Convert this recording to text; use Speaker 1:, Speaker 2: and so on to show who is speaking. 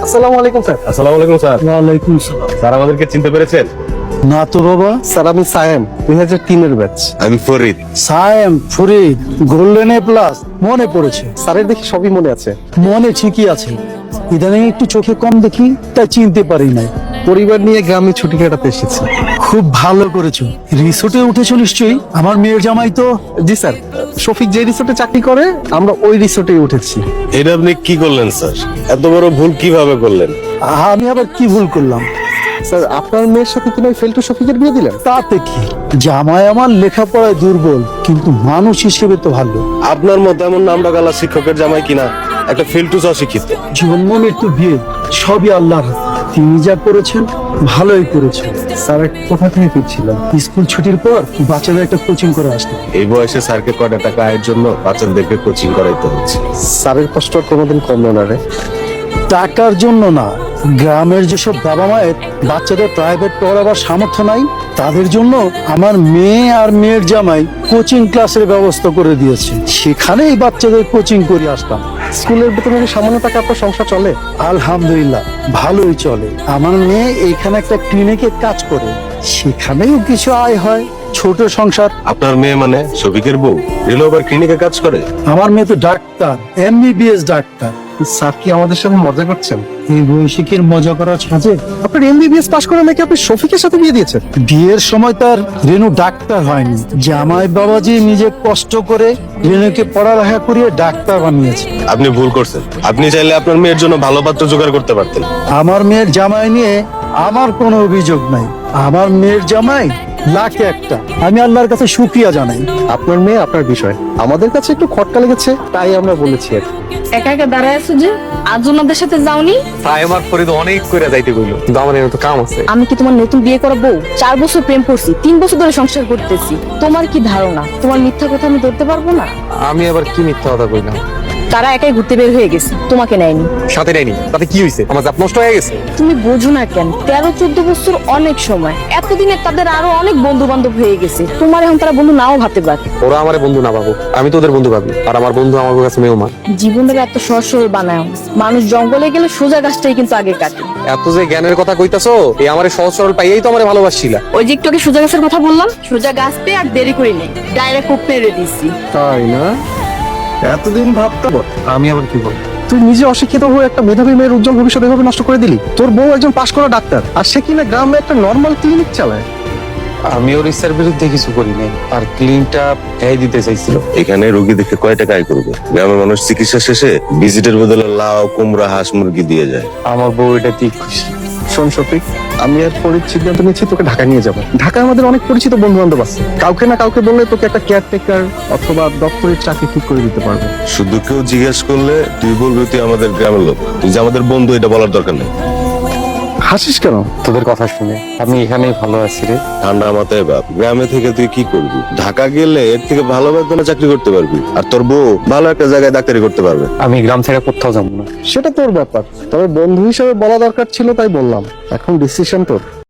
Speaker 1: আসসালামু আলাইকুম স্যার।
Speaker 2: আসসালামু আলাইকুম স্যার।
Speaker 1: ওয়ালাইকুম সালাম।
Speaker 2: স্যার আমাদেরকে চিনতে পেরেছেন?
Speaker 1: না তো বাবা।
Speaker 3: স্যার আমি সায়েম 2003-এর ব্যাচ।
Speaker 2: আমি Farid.
Speaker 1: Sayem, Farid, golden A plus মনে পড়েছে।
Speaker 3: স্যারের দেখি সবই মনে আছে।
Speaker 1: মনে ঠিকই আছে, ইদানিং একটু চোখে কম দেখি, তাই চিনতে পারি নাই।
Speaker 3: পরিবার নিয়ে গ্রামে ছুটি কাটাতে এসেছি।
Speaker 1: খুব ভালো করেছো। রিসোর্টে উঠেছো নিশ্চয়ই? আমার মেয়ের জামাই তো।
Speaker 3: জি স্যার, শফিক যে রিসোর্টে চাকরি করে আমরা ওই রিসোর্টেই উঠেছি।
Speaker 2: এটা আপনি কি করলেন স্যার? এত বড় ভুল কিভাবে করলেন?
Speaker 1: আমি আবার কি ভুল করলাম?
Speaker 3: স্যার আপনার মেয়ের সাথে কিনা ওই ফেলটু শফিকের বিয়ে দিলেন?
Speaker 1: তাতে কি, জামাই আমার লেখাপড়ায় দুর্বল কিন্তু মানুষ হিসেবে তো ভালো।
Speaker 2: আপনার মতো এমন নামডাকালা শিক্ষকের জামাই কিনা একটা ফিল্টুস অশিক্ষিত।
Speaker 1: জীবন মৃত্যু বিয়ে সবই আল্লাহর হাতে। তিনি যা করেছেন ভালোই করেছেন।
Speaker 3: স্যার কোথা থেকে ফিরছিলাম?
Speaker 1: স্কুল ছুটির পর বাচ্চাদের একটা কোচিং করে আসতে।
Speaker 2: এই বয়সে স্যারকে কয়টা টাকা আয়ের জন্য বাচ্চাদেরকে কোচিং করাইতে হচ্ছে।
Speaker 3: স্যারের কষ্ট আর কোনোদিন কমলো না রে।
Speaker 1: টাকার জন্য না, গ্রামের যেসব বাবা মায়ের বাচ্চাদের প্রাইভেট পড়াবার সামর্থ্য নাই, তাদের জন্য আমার মেয়ে আর মেয়ের জামাই কোচিং ক্লাসের ব্যবস্থা করে দিয়েছে। সেখানেই বাচ্চাদের কোচিং করে আসতাম।
Speaker 3: স্কুলের বেতনের সামান্য টাকা আপনার সংসার চলে?
Speaker 1: আলহামদুলিল্লাহ ভালোই চলে। আমার মেয়ে এখানে একটা ক্লিনিকে কাজ করে, সেখানেও কিছু আয় হয়। ছোট সংসার।
Speaker 2: আপনার মেয়ে মানে শফিকের বউ রেলো আবার ক্লিনিকে কাজ করে?
Speaker 1: আমার মেয়ে তো ডাক্তার, এমবিবিএস ডাক্তার।
Speaker 3: স্যার কি আমাদের সাথে মজা করছেন?
Speaker 1: এই বয়সে কি মজা করা সাজে?
Speaker 3: আপনার এমবিবিএস পাশ করে নাকি আপনি শফিকের সাথে বিয়ে দিয়েছেন?
Speaker 1: বিয়ের সময় তার রেনু ডাক্তার হয়নি, জামাই বাবাজি নিজে কষ্ট করে রেনুকে পড়ালেখা করিয়ে ডাক্তার বানিয়েছে।
Speaker 2: আপনি ভুল করছেন। আপনি চাইলে আপনার মেয়ের জন্য ভালো পাত্র জোগাড় করতে পারতেন।
Speaker 1: আমার মেয়ের জামাই নিয়ে আমার কোনো অভিযোগ নাই। আমার মেয়ের জামাই লাখে একটা। আমি আল্লাহর কাছে শুকরিয়া জানাই।
Speaker 3: আপনার মেয়ে আপনার বিষয়, আমাদের কাছে একটু খটকা লেগেছে তাই আমরা বলেছি আর কি।
Speaker 4: একা একা দাঁড়ায় আছো যে, আজ ওনাদের সাথে যাওনি?
Speaker 5: তাই আমার ফরিদ অনেক করে যাইতে কইলো, কিন্তু আমার এর তো কাম আছে।
Speaker 4: আমি কি তোমার নতুন বিয়ে করা বউ? 4 বছর প্রেম করছি, 3 বছর ধরে সংসার করতেছি। তোমার কি ধারণা তোমার মিথ্যা কথা আমি ধরতে পারবো না?
Speaker 5: আমি আবার কি মিথ্যা কথা কইলাম?
Speaker 4: তারা একাই ঘুরতে বের হয়ে গেছে, তোমাকে নেয়নি।
Speaker 5: সাথে নেয়নি তাতে কি হইছে? আমার জাত নষ্ট হয়ে গেছে।
Speaker 4: তুমি বোঝো না কেন? 13-14 বছর অনেক সময়। এতদিনে তাদের আরো অনেক বন্ধু বান্ধব হয়ে গেছে। তোমার এখন তারা বন্ধু নাও ভাবতে পারে।
Speaker 5: ওরা আমার বন্ধু না ভাবো, আমি তো ওদের বন্ধু ভাবি। আর আমার বন্ধু আমার কাছে মেহমান।
Speaker 4: জীবনটাকে এত সহজ সরল বানায়। মানুষ জঙ্গলে গেলে সোজা গাছটাই কিন্তু আগে কাটে।
Speaker 5: এত যে জ্ঞানের কথা কইতাছো, এই আমারে সহজ সরল পাইয়েই তো আমারে ভালোবাসছিলা।
Speaker 4: ওই যে একটু আগে সোজা গাছের কথা বললাম, সোজা গাছ পেয়ে আর দেরি করি নেই, ডাইরেক্ট কোপ মেরে দিচ্ছি।
Speaker 3: তাই না? এতদিন ভাবতাম।
Speaker 5: আমি আবার কি বল?
Speaker 3: তুই নিজে অশিক্ষিত হয়ে একটা মেধাবী মেয়ের উজ্জ্বল ভবিষ্যৎ এভাবে নষ্ট করে দিলি। তোর বউ একজন পাশ করা ডাক্তার, আর সে কিনা গ্রামে একটা নর্মাল ক্লিনিক চালায়।
Speaker 5: আমি ওর ইচ্ছার বিরুদ্ধে কিছু করি নাই। আর ক্লিনটা এই দিতে চাইছিল।
Speaker 2: এখানে রোগী দেখে কয় টাকা আয় করবে? গ্রামের মানুষ চিকিৎসা শেষে ভিজিটের বদলে লাউ, কুমড়া, হাঁস মুরগি দিয়ে যায়।
Speaker 5: আমার বউ এটা ঠিক খুশি।
Speaker 3: শোন শফিক, আমি আর ফরিদ সিদ্ধান্ত নিচ্ছি তোকে ঢাকা নিয়ে যাবো। ঢাকায় আমাদের অনেক পরিচিত বন্ধু বান্ধব আছে, কাউকে না কাউকে বললে তোকে একটা কেয়ারটেকার অথবা দপ্তরের চাকরি ঠিক করে দিতে পারবে।
Speaker 2: শুধু কেউ জিজ্ঞেস করলে তুই বলবি তুই আমাদের গ্রামের লোক, তুই যে আমাদের বন্ধু এটা বলার দরকার নেই।
Speaker 3: হাসিস কেন?
Speaker 5: তোদের কথা শুনে আমি এখানেই ভালো আছি রে।
Speaker 2: ঠান্ডা মাথায় বাপ, গ্রামে থেকে তুই কি করবি? ঢাকা গেলে এর থেকে ভালো বেতনে চাকরি করতে পারবি, আর তোর বউ ভালো একটা জায়গায় ডাক্তারি করতে পারবে।
Speaker 5: আমি গ্রাম ছেড়ে কোথাও যাবো না।
Speaker 3: সেটা তোর ব্যাপার, তবে বন্ধু হিসেবে বলা দরকার ছিল তাই বললাম। এখন ডিসিশন তোর।